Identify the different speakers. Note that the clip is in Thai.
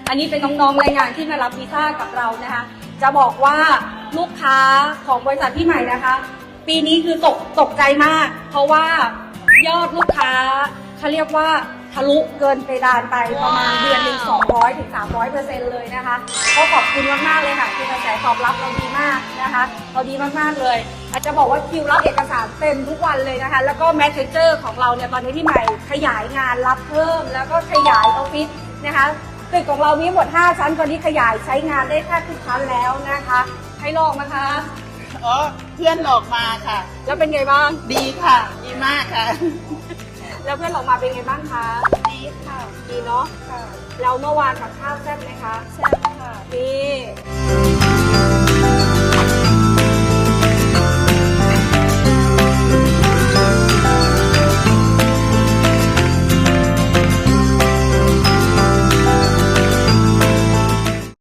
Speaker 1: อันนี้เป็นน้องๆแรงงานที่มารับวีซ่ากับเรานะคะจะบอกว่าลูกค้าของบริษัทพี่ใหม่นะคะ ปีนี้คือตกใจมาก เพราะว่ายอดลูกค้าเขาเรียกว่าทะลุเกินเพดานไปประมาณเดือนหนึ่ง200 ถึง 300% เลยนะคะก็ขอบคุณมากๆเลยค่ะคือกระแสตอบรับเราดีมากนะคะเราดีมากๆเลยอาจจะบอกว่าคิวรับเอกสารเต็มทุกวันเลยนะคะแล้วก็แมสเซนเจอร์ของเราเนี่ยตอนนี้พี่ใหม่ขยายงานรับเพิ่มแล้วก็ขยายออฟฟิศนะคะตึกของเรามีหมด5ชั้นตอนนี้ขยายใช้งานได้แทบทุกชั้นแล้วนะคะให้ลองนะคะ
Speaker 2: อ๋อเพื่อนหลอกมาค่ะ
Speaker 1: แล้วเป็นไงบ้าง
Speaker 2: ดีค่ะ ดีมากค่ะ
Speaker 1: แล้วเพื่อนออกมาเป็นไงบ้างคะ
Speaker 2: ดีค่ะ
Speaker 1: ดีเนาะ
Speaker 2: ค่ะ
Speaker 1: แล้วเมื่อวานกับข้าวแซ่บไหมคะ
Speaker 2: แซ่บค่ะ
Speaker 1: นี่